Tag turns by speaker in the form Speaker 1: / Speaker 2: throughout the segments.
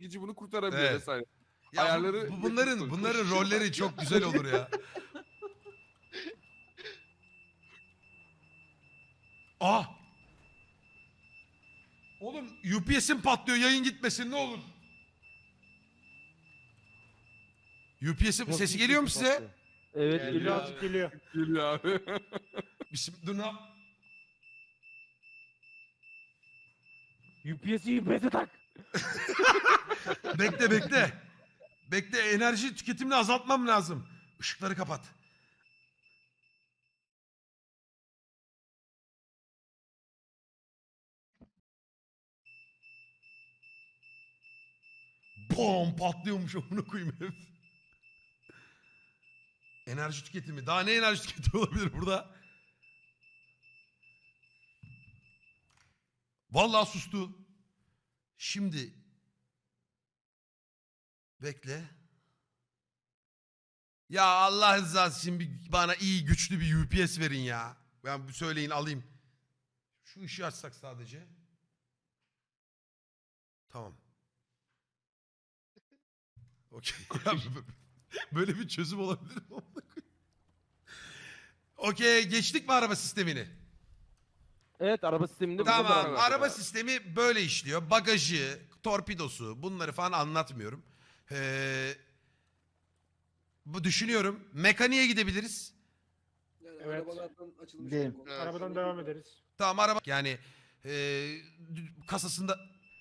Speaker 1: çekici bunu kurtarabiliyor
Speaker 2: Evet.
Speaker 1: vesaire.
Speaker 2: Ya
Speaker 1: Ayarları
Speaker 2: bunların rolleri çok güzel olur ya. Ah! Oğlum UPS'im patlıyor, yayın gitmesin ne olur. UPS'im
Speaker 3: Nasıl
Speaker 2: sesi geliyor mu
Speaker 3: yüksek
Speaker 2: size?
Speaker 3: patlıyor? Evet
Speaker 4: Geliyor
Speaker 3: geliyor.
Speaker 4: abi.
Speaker 3: Azıcık geliyor.
Speaker 1: geliyor abi.
Speaker 2: Dur ne
Speaker 3: UPS'i tak.
Speaker 2: Bekle bekle. Bekle, enerji tüketimini azaltmam lazım. Işıkları kapat. Bom patlıyormuş amına koyayım ev. Enerji tüketimi. Daha ne enerji tüketimi olabilir burada? Vallahi sustu. Şimdi bekle. Ya Allah rızası için bana iyi güçlü bir UPS verin ya. Ben söyleyin alayım. Şu ışığı açsak sadece. Tamam. Okey. Böyle bir çözüm olabilir mi? Okey, geçtik mi araba sistemini?
Speaker 3: Evet araba sisteminde bu
Speaker 2: Tamam,
Speaker 3: kadar.
Speaker 2: araba sistemi böyle işliyor. Bagajı, torpidosu bunları falan anlatmıyorum. Bu düşünüyorum. Mekaniğe gidebiliriz.
Speaker 5: Yani
Speaker 4: Evet.
Speaker 5: arabalardan açılmış.
Speaker 6: Gidelim.
Speaker 5: olan konular.
Speaker 4: Arabadan devam ederiz.
Speaker 2: Tamam araba yani kasasında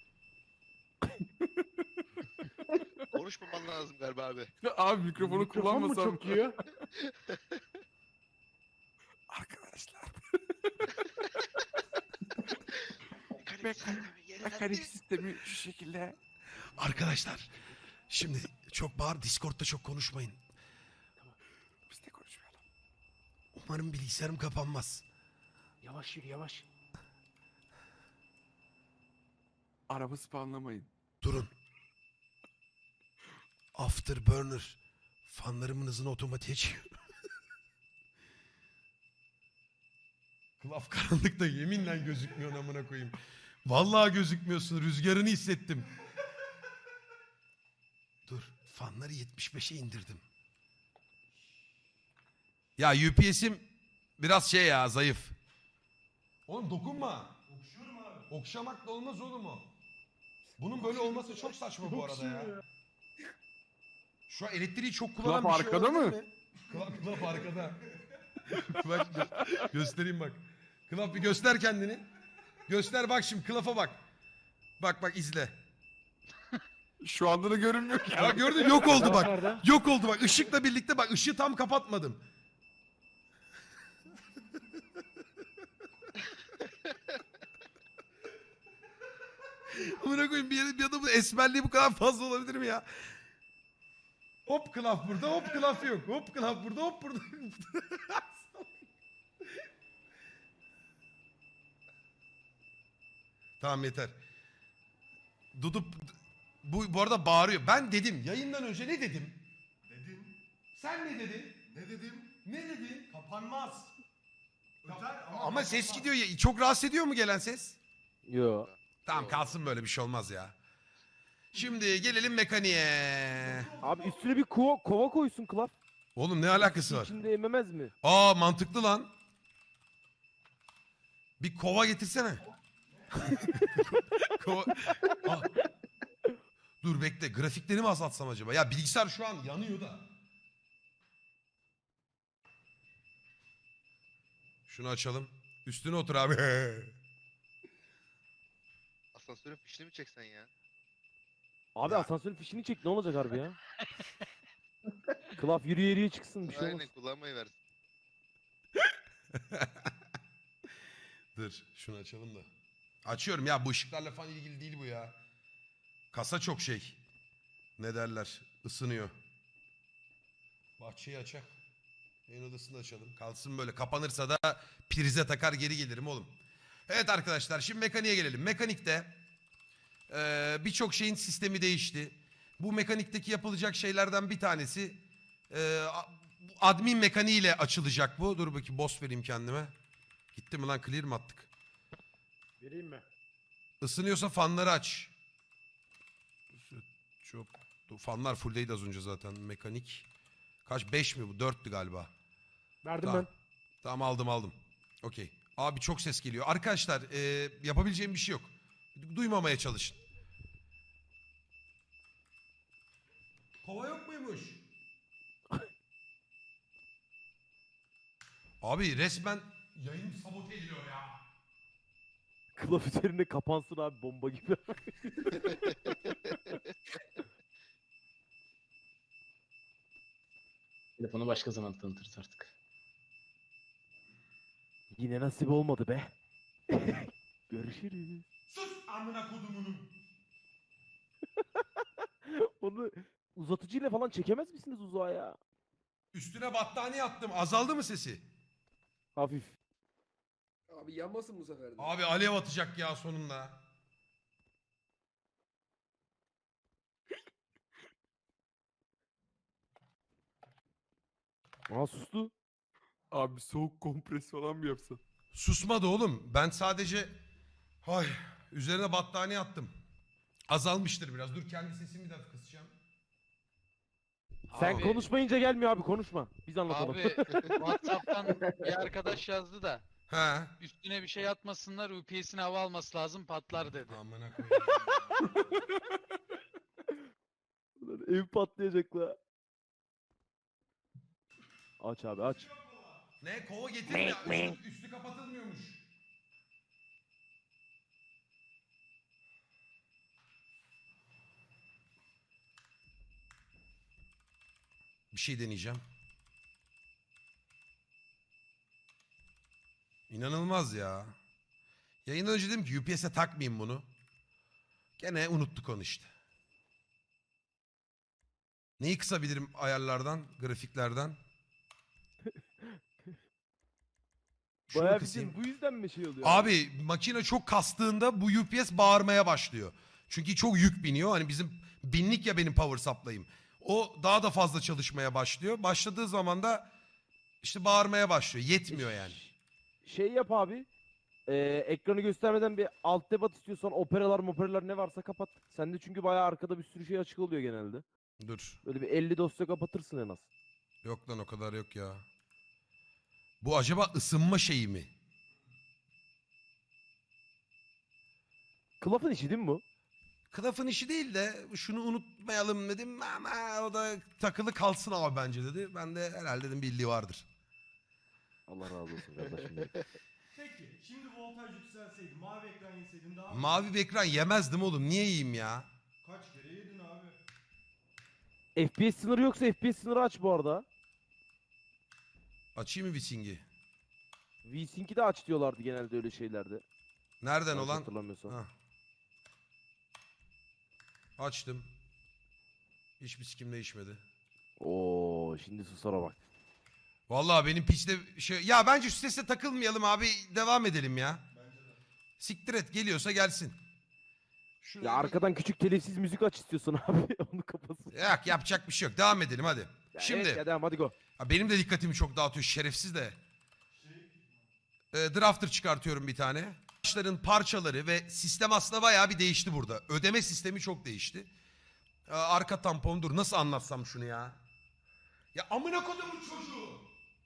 Speaker 7: Konuşmaman lazım galiba abi.
Speaker 1: Abi mikrofonu
Speaker 4: Mikrofon mu
Speaker 1: kullanmasam.
Speaker 4: çok yiyor?
Speaker 1: Arkadaşlar.
Speaker 7: Mekanik
Speaker 1: Mekanik sistemi şu şekilde.
Speaker 2: arkadaşlar şimdi çok bağır, Discord'da çok konuşmayın.
Speaker 1: Biz de konuşmayalım.
Speaker 2: Umarım bilgisayarım kapanmaz.
Speaker 3: Yavaş yürü yavaş.
Speaker 1: Araba spamlamayın.
Speaker 2: Durun. Afterburner. Fanlarımın hızını otomatiğe çevir. Klaf karanlıkta yeminle gözükmüyor amına koyayım. Vallahi gözükmüyorsun. Rüzgarını hissettim. Dur. Fanları 75'e indirdim. Ya UPS'im biraz şey ya, zayıf. Oğlum dokunma. Okşuyorum abi. Okşamak da olmaz oğlum o. Bunun böyle olması çok saçma bu arada ya. Şu an elektriği çok kullanan
Speaker 1: Klaf
Speaker 2: bir şey
Speaker 1: arkada
Speaker 2: olabilir
Speaker 1: mı?
Speaker 2: mi? Klaf arkada. Bak göstereyim bak. Klaf bir göster kendini. Göster bak şimdi, Klaf'a bak. Bak izle.
Speaker 1: Şu anda da görünmüyor ki.
Speaker 2: Bak gördün, yok oldu
Speaker 3: Klaf
Speaker 2: bak.
Speaker 3: nerede?
Speaker 2: Yok oldu bak, ışıkla birlikte bak, ışığı tam kapatmadım. Amına koyayım, bir adamın esmerliği bu kadar fazla olabilir mi ya? Hop Klaf burada, hop Klaf yok. Hop Klaf burada, hop burada. Tamam yeter. Dudu bu arada bağırıyor. Ben dedim yayından önce ne dedim?
Speaker 8: Dedim.
Speaker 2: Sen ne dedin?
Speaker 8: Ne dedim?
Speaker 2: Ne dedin?
Speaker 8: Kapanmaz. Öter
Speaker 2: Ama ses
Speaker 8: kapanmaz.
Speaker 2: gidiyor ya. Çok rahatsız ediyor mu gelen ses?
Speaker 3: Yo.
Speaker 2: Tamam kalsın, böyle bir şey olmaz ya. Şimdi gelelim mekaniğe.
Speaker 3: Abi üstüne bir kova koysun Klaf.
Speaker 2: Oğlum ne alakası var?
Speaker 3: İçinde ememez mi?
Speaker 2: Aa mantıklı lan. Bir kova getirsene. Kova... Aa. Dur bekle, grafikleri mi azaltsam acaba? Ya bilgisayar şu an yanıyor da. Şunu açalım. Üstüne otur abi.
Speaker 7: Asansörün fişini mi çeksen ya?
Speaker 3: Abi
Speaker 2: Ya.
Speaker 3: asansörün fişini çek ne olacak harbi ya? Klaf yürüye çıksın bir şey olmaz.
Speaker 7: Aynen kullanmayı versin.
Speaker 2: Dur şunu açalım da. Açıyorum ya, bu ışıklarla falan ilgili değil bu ya. Kasa çok şey. Ne derler? Isınıyor. Bahçeyi açak. En odasını açalım. Kalsın böyle. Kapanırsa da prize takar geri gelirim oğlum. Evet arkadaşlar, şimdi mekaniğe gelelim. Mekanikte birçok şeyin sistemi değişti. Bu mekanikteki yapılacak şeylerden bir tanesi admin mekaniğiyle açılacak bu. Dur bakayım, boss vereyim kendime. Gitti mi lan, clear mi attık?
Speaker 4: Vereyim mi?
Speaker 2: Isınıyorsa fanları aç. Çok fanlar fulldeydi az önce zaten. Mekanik. Kaç? 5 mi bu? 4'tü galiba.
Speaker 3: Verdim
Speaker 2: Tamam.
Speaker 3: ben.
Speaker 2: Tamam aldım. Okey. Abi çok ses geliyor. Arkadaşlar yapabileceğim bir şey yok. Duymamaya çalışın. Kova yok muymuş? Abi resmen yayın sabote ediliyor ya.
Speaker 3: Klaf üzerinde kapansın abi bomba gibi.
Speaker 4: Telefonu başka zaman tanıtırız artık.
Speaker 3: Yine nasip olmadı be. Görüşürüz.
Speaker 2: Sus amına kodumunun.
Speaker 3: Onu uzatıcıyla falan çekemez misiniz uzağa ya?
Speaker 2: Üstüne battaniye attım. Azaldı mı sesi?
Speaker 3: Hafif.
Speaker 5: Abi yanmasın bu sefer de.
Speaker 2: Abi alev atacak ya sonunda.
Speaker 3: Aa sustu.
Speaker 1: Abi soğuk kompres falan mı yapsan?
Speaker 2: Susmadı oğlum. Ben sadece üzerine battaniye attım. Azalmıştır biraz. Dur kendi sesimi de kısacağım.
Speaker 3: Sen
Speaker 4: Abi-
Speaker 3: konuşmayınca gelmiyor abi konuşma. Biz anlatalım.
Speaker 4: Abi WhatsApp'tan bir arkadaş yazdı da
Speaker 2: He.
Speaker 4: üstüne bir şey atmasınlar UPS'in hava alması lazım patlar dedi.
Speaker 2: Amına koyayım.
Speaker 3: Ev patlayacak la. Aç abi aç.
Speaker 2: Ne? Kova getirme. Üstü kapatılmıyormuş. Bir şey deneyeceğim. İnanılmaz ya. Yayından önce dedim ki UPS'e takmayayım bunu. Gene unuttuk onu işte. Neyi kısabilirim ayarlardan, grafiklerden? Şunu
Speaker 3: Bayağı
Speaker 2: kısayım.
Speaker 3: bizim bu yüzden mi şey oluyor?
Speaker 2: Abi makine çok kastığında bu UPS bağırmaya başlıyor. Çünkü çok yük biniyor. Hani bizim binlik ya benim power supply'ım. O daha da fazla çalışmaya başlıyor. Başladığı zaman da işte bağırmaya başlıyor. Yetmiyor yani.
Speaker 3: Şey yap abi. Ekranı göstermeden bir alt tab at istiyorsan operalar ne varsa kapat. Sende çünkü bayağı arkada bir sürü şey açık oluyor genelde.
Speaker 2: Dur.
Speaker 3: Böyle bir 50 dosya kapatırsın en az.
Speaker 2: Yok lan o kadar yok ya. Bu acaba ısınma şeyi mi?
Speaker 3: Klaf'ın işi değil mi bu?
Speaker 2: Kılıfın işi değil de şunu unutmayalım dedim ama o da takılı kalsın abi bence dedi. Ben de herhalde dedim bildiği vardır.
Speaker 3: Allah razı olsun kardeşim. benim.
Speaker 8: Peki şimdi voltaj yükselseydi mavi ekran yeseydin daha mı?
Speaker 2: Mavi bir ekran yemezdim oğlum. Niye yiyeyim ya?
Speaker 8: Kaç kere yedin abi?
Speaker 3: FPS sınırı yoksa FPS sınırı aç bu arada.
Speaker 2: Açayım mı Visingi?
Speaker 3: VSync'i de aç diyorlardı genelde öyle şeylerde.
Speaker 2: Nereden
Speaker 3: Yanlış
Speaker 2: olan?
Speaker 3: hatırlamıyorsam.
Speaker 2: Ha. Açtım. Hiçbir sikim değişmedi.
Speaker 3: Oo şimdi susara bak.
Speaker 2: Vallahi benim piçte şey... Ya bence şu sese takılmayalım abi. Devam edelim ya. Siktir et. Geliyorsa gelsin.
Speaker 3: Ya arkadan küçük telifsiz müzik aç istiyorsan abi onu kapasın.
Speaker 2: Yok yapacak bir şey yok. Devam edelim hadi.
Speaker 3: Ya
Speaker 2: Şimdi.
Speaker 3: evet ya devam hadi go.
Speaker 2: Ha, benim de dikkatimi çok dağıtıyor şerefsiz de. Drafter çıkartıyorum bir tane. Başların parçaları ve sistem aslında bayağı bir değişti burada. Ödeme sistemi çok değişti. Arka tampon dur nasıl anlatsam şunu ya. Ya amına kodumun çocuğu.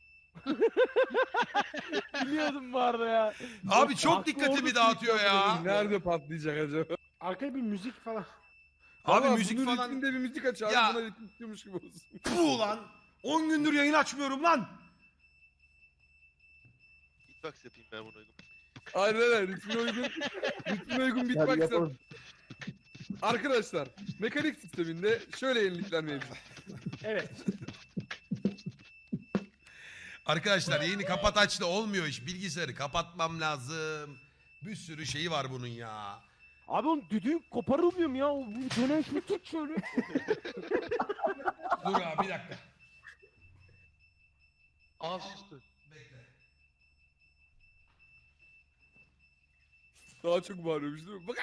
Speaker 3: Biliyordum bu arada ya.
Speaker 2: Abi çok
Speaker 3: Haklı
Speaker 2: dikkatimi
Speaker 3: orada
Speaker 2: dağıtıyor ya.
Speaker 5: Nerede patlayacak acaba?
Speaker 6: Arkaya bir müzik falan.
Speaker 2: Abi
Speaker 1: Ama
Speaker 2: müzik
Speaker 1: bunun
Speaker 2: falan.
Speaker 1: ritminde bir müzik aç abi.
Speaker 2: Ya.
Speaker 1: Buna ritim tutuyormuş gibi olsun.
Speaker 2: Puh lan. 10 gündür yayın açmıyorum lan.
Speaker 7: Beatbox yapayım ben buna uygun.
Speaker 1: Aynen öyle. Ritmine uygun beatbox yap. Arkadaşlar mekanik sisteminde şöyle yenilikler mevcut.
Speaker 6: Evet.
Speaker 2: Arkadaşlar yayını kapat aç da olmuyor iş. Bilgisayarı kapatmam lazım. Bir sürü şeyi var bunun ya.
Speaker 3: Abi onun düdüğü koparılmıyor mu ya? O bu dönen şunu tut şöyle.
Speaker 2: Dur abi bir dakika.
Speaker 4: Aa sustu.
Speaker 2: Bekle.
Speaker 1: Daha çok bağırıyormuş değil mi? Bak.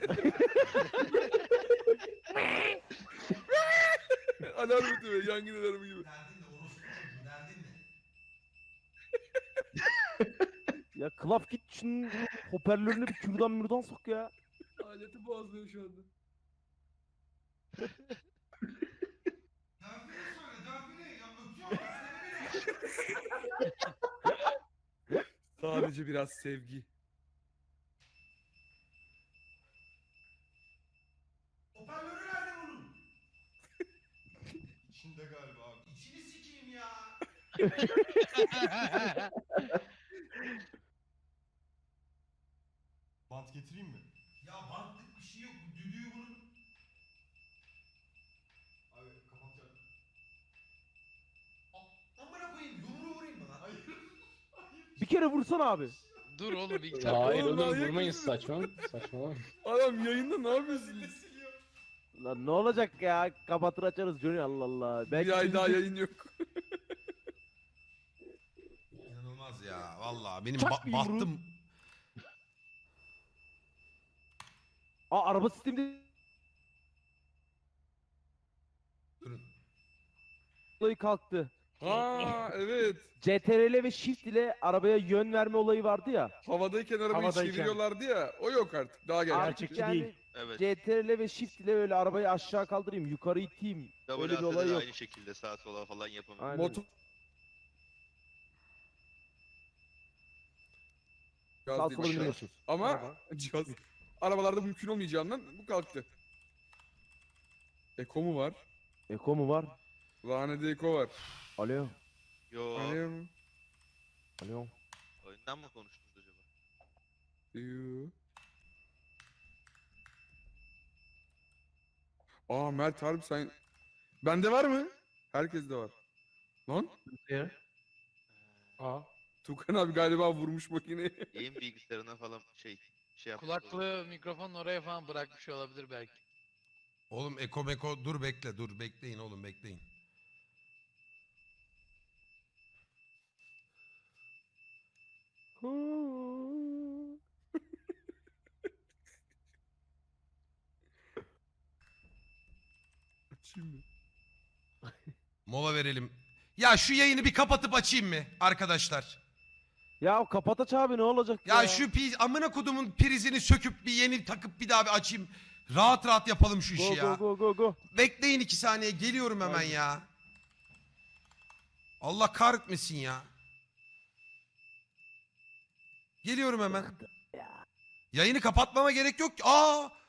Speaker 1: Alarm ötüyor. Yangın alarmı gibi.
Speaker 2: Derdin ne orospu çocuğu derdin ne?
Speaker 3: Ya Klaf git şunun hoparlörüne bir kürdan mürdan sok ya.
Speaker 5: Aleti boğazlıyor şu anda.
Speaker 1: Sadece biraz sevgi.
Speaker 2: Hoparlörü nerede bunun? İçinde galiba abi. İçini sikeyim ya.
Speaker 8: Bant getireyim mi?
Speaker 2: Ya bantlık bir şey yok. Bu düdüğü bunun.
Speaker 8: Abi kapatacağım.
Speaker 2: Amına koyayım yumruğu vurayım mı lan?
Speaker 8: Hayır.
Speaker 3: Bir kere vursana abi.
Speaker 4: Dur oğlum ilk defa.
Speaker 9: Hayır
Speaker 1: Oğlum,
Speaker 9: oğlum
Speaker 1: manyak
Speaker 9: vurmayın
Speaker 1: mısın?
Speaker 9: saçmalama.
Speaker 1: Adam yayında ne yapıyorsunuz?
Speaker 3: Lan ne olacak ya? Kapatır açarız Johnny, Allah Allah.
Speaker 1: Bir ay daha yayın yok.
Speaker 2: İnanılmaz ya. Vallahi benim
Speaker 3: Çak bir yumruğu.
Speaker 2: battım.
Speaker 3: Aa, araba sistemi
Speaker 2: Durun.
Speaker 3: olayı kalktı.
Speaker 1: Ha evet.
Speaker 3: CTRL ve Shift ile arabaya yön verme olayı vardı ya.
Speaker 1: Havadayken arabayı
Speaker 6: Havadayken.
Speaker 1: çeviriyorlardı ya. O yok artık. Daha geldi.
Speaker 3: Artık
Speaker 6: Gerçekçi
Speaker 3: yani
Speaker 6: değil.
Speaker 7: Evet.
Speaker 3: CTRL ve Shift ile öyle arabayı aşağı kaldırayım, yukarı iteyim. Öyle bir
Speaker 7: WASD
Speaker 3: olay
Speaker 7: de
Speaker 3: yok.
Speaker 7: aynı şekilde sağa sola falan yapamıyor.
Speaker 3: Aynen.
Speaker 1: Motor. Cihaz
Speaker 3: Sağ
Speaker 1: değil,
Speaker 3: sola
Speaker 1: cihaz.
Speaker 3: binemiyorsunuz.
Speaker 1: Ama cihaz. Arabalarda mümkün olmayacağından bu kalktı. Eko mu var?
Speaker 3: Eko mu var?
Speaker 1: Lanede Eko var.
Speaker 3: Alo.
Speaker 7: Yo.
Speaker 1: Alo.
Speaker 3: Alo.
Speaker 7: Oyundan mı konuştunuz acaba?
Speaker 1: Yoo. Aa Mert harbi sen... Bende var mı? Herkeste var. Lan?
Speaker 6: Aa.
Speaker 1: Tukan abi galiba vurmuş makineyi.
Speaker 7: Yayın bilgisayarına falan şey yapmış.
Speaker 4: Kulaklığı mikrofonun oraya falan bırakmış olabilir belki.
Speaker 2: Oğlum eko meko dur bekle dur bekleyin oğlum bekleyin.
Speaker 1: Açayım mı?
Speaker 2: Mola verelim. Ya şu yayını bir kapatıp açayım mı arkadaşlar?
Speaker 3: Ya kapat aç abi, ne olacak
Speaker 2: Ya şu amına kodumun prizini söküp bir yeni takıp bir daha bir açayım. Rahat rahat yapalım şu işi
Speaker 3: Go
Speaker 2: ya.
Speaker 3: go go go go.
Speaker 2: Bekleyin 2 saniye geliyorum hemen ya. Allah kahretmesin ya. Geliyorum hemen. Yayını kapatmama gerek yok ki. Aa!